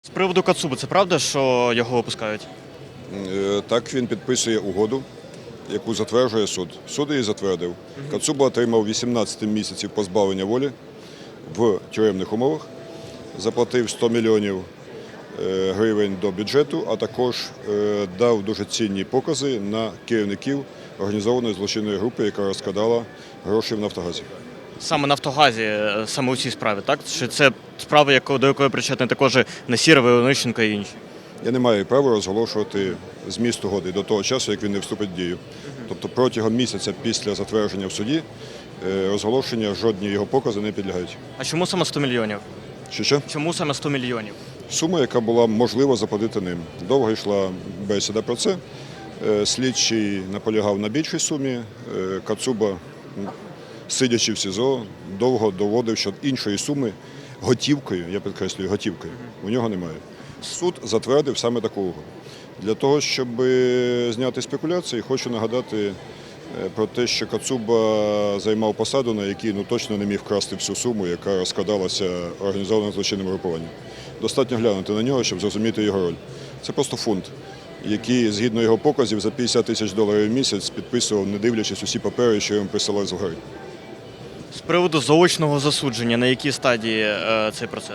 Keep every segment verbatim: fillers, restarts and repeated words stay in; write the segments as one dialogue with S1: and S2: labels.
S1: З приводу Кацуби, це правда, що його випускають?
S2: Е, Так, він підписує угоду, яку затверджує суд. Суд її затвердив. Кацуба отримав вісімнадцять місяців позбавлення волі в тюремних умовах, заплатив сто мільйонів е, гривень до бюджету, а також е, дав дуже цінні покази на керівників організованої злочинної групи, яка розкрадала гроші в Нафтогазі.
S1: Саме Нафтогазі, е, саме у цій справі, так? Чи це справа, яко- до якої причетні також Насіров, Онищенко і інші?
S2: Я не маю права розголошувати зміст угоди до того часу, як він не вступить в дію. Тобто протягом місяця після затвердження в суді е, розголошення жодні його покази не підлягають.
S1: А чому саме сто мільйонів?
S2: Що що?
S1: Чому саме сто мільйонів?
S2: Сума, яка була можлива заплатити ним. Довго йшла бесіда про це. Е, Слідчий наполягав на більшій сумі. Е, Кацуба, м, сидячи в СІЗО, довго доводив, що іншої суми готівкою, я підкреслюю, готівкою, у нього немає. Суд затвердив саме таку угоду. Для того, щоб е, зняти спекуляції, хочу нагадати е, про те, що Кацуба займав посаду, на якій ну, точно не міг вкрасти всю суму, яка розкрадалася організованим злочинним групуванням. Достатньо глянути на нього, щоб зрозуміти його роль. Це просто фунт, який, згідно його показів, за п'ятдесят тисяч доларів в місяць підписував, не дивлячись усі папери, що йому присилали з гори.
S1: З приводу заочного засудження, на якій стадії е, цей процес?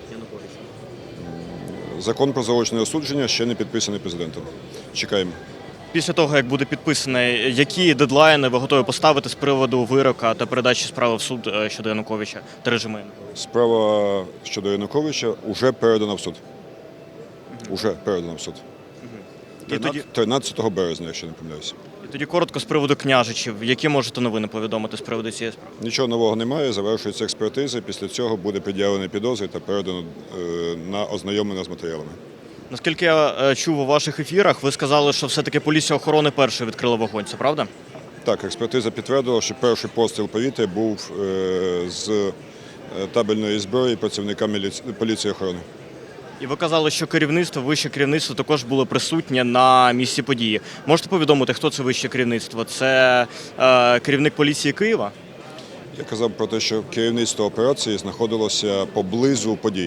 S2: Закон про заочне осудження ще не підписаний президентом. Чекаємо.
S1: Після того, як буде підписаний, які дедлайни ви готові поставити з приводу вирока та передачі справи в суд е, щодо Януковича та режиму Януковича?
S2: Справа щодо Януковича вже передана в суд. Уже передана в суд.
S1: І тоді,
S2: тринадцятого березня, якщо не помиляюся.
S1: і тоді коротко з приводу княжичів. Які можете новини повідомити з приводу цієї справи?
S2: Нічого нового немає, завершується експертиза, після цього буде пред'явлений підозри та передано е, на ознайомлення з матеріалами.
S1: Наскільки я е, чув у ваших ефірах, ви сказали, що все-таки поліція охорони першою відкрила вогонь, це правда?
S2: Так, експертиза підтвердила, що перший постріл повітря був е, з е, табельної зброї працівника міліці... поліції охорони.
S1: І ви казали, що керівництво, вище керівництво також було присутнє на місці події. Можете повідомити, хто це вище керівництво? Це е, керівник поліції Києва?
S2: Я казав про те, що керівництво операції знаходилося поблизу подій.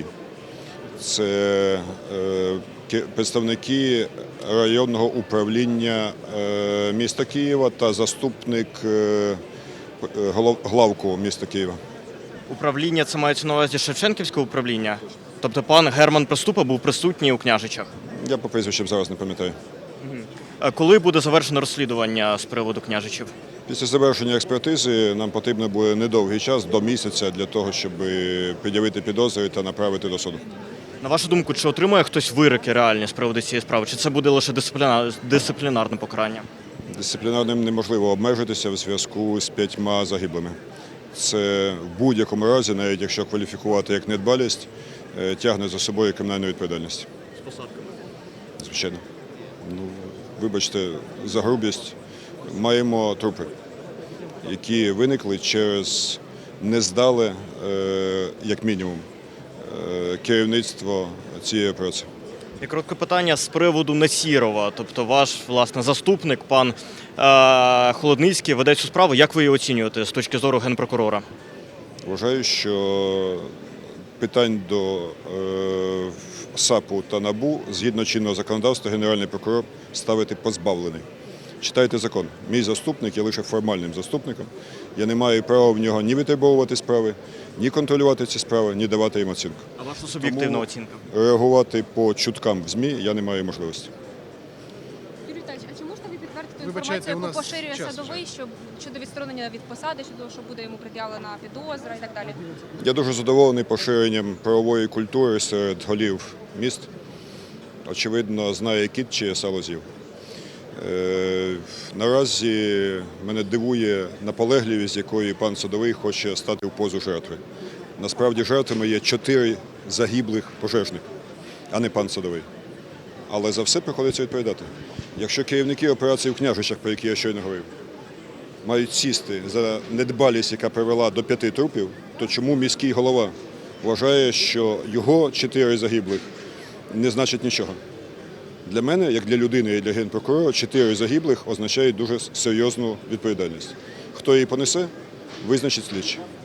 S2: Це е, ке- представники районного управління е, міста Києва та заступник е, п- е, голов- главку міста Києва.
S1: Управління, це мається на увазі Шевченківське управління? Тобто пан Герман Приступа був присутній у Княжичах.
S2: Я по прізвищам зараз не пам'ятаю.
S1: Е, Коли буде завершено розслідування з приводу Княжичів?
S2: Після завершення експертизи нам потрібно буде недовгий час, до місяця, для того, щоб пред'явити підозри та направити до суду.
S1: На вашу думку, чи отримує хтось вироки реальні з приводу цієї справи? Чи це буде лише дисципліна... дисциплінарне покарання?
S2: Дисциплінарним неможливо обмежитися в зв'язку з п'ятьма загиблими. Це в будь-якому разі, навіть якщо кваліфікувати як недбалість, е, тягне за собою кримінальну відповідальність.
S1: З посадками.
S2: Звичайно. Ну, вибачте, за грубість. Маємо трупи, які виникли через нездале, е, як мінімум, е, керівництво цієї операції.
S1: І коротке питання з приводу Насірова, тобто ваш, власне, заступник, пан е, Холодницький, веде цю справу. Як ви її оцінюєте з точки зору генпрокурора?
S2: Вважаю, що питань до е, САПу та НАБУ згідно чинного законодавства Генеральний прокурор ставити позбавлений. Читайте закон. Мій заступник є лише формальним заступником. Я не маю права в нього ні витребовувати справи, ні контролювати ці справи, ні давати їм оцінку.
S1: А ваша суб'єктивна
S2: Тому
S1: оцінка?
S2: реагувати по чуткам в ЗМІ я не маю можливості.
S3: Юрій Віталійович, а чи можете ви підтвердити
S4: Вибачайте,
S3: інформацію,
S4: у
S3: яку
S4: нас
S3: поширює
S4: час
S3: садовий, що щодо відсторонення від посади, щодо що буде йому пред'явлена підозра і так далі?
S2: Я дуже задоволений поширенням правової культури серед голів міст. Очевидно, знає кіт чи сало з'їв. Е, наразі мене дивує наполегливість, якою пан Садовий хоче стати в позу жертви. Насправді жертвами є чотири загиблих пожежних, а не пан Садовий. Але за все приходиться відповідати. Якщо керівники операції в Княжичах, про які я щойно говорив, мають сісти за недбалість, яка привела до п'яти трупів, то чому міський голова вважає, що його чотири загиблих не значить нічого? Для мене, як для людини і для генпрокурора, чотири загиблих означають дуже серйозну відповідальність. Хто її понесе, визначить слідчий.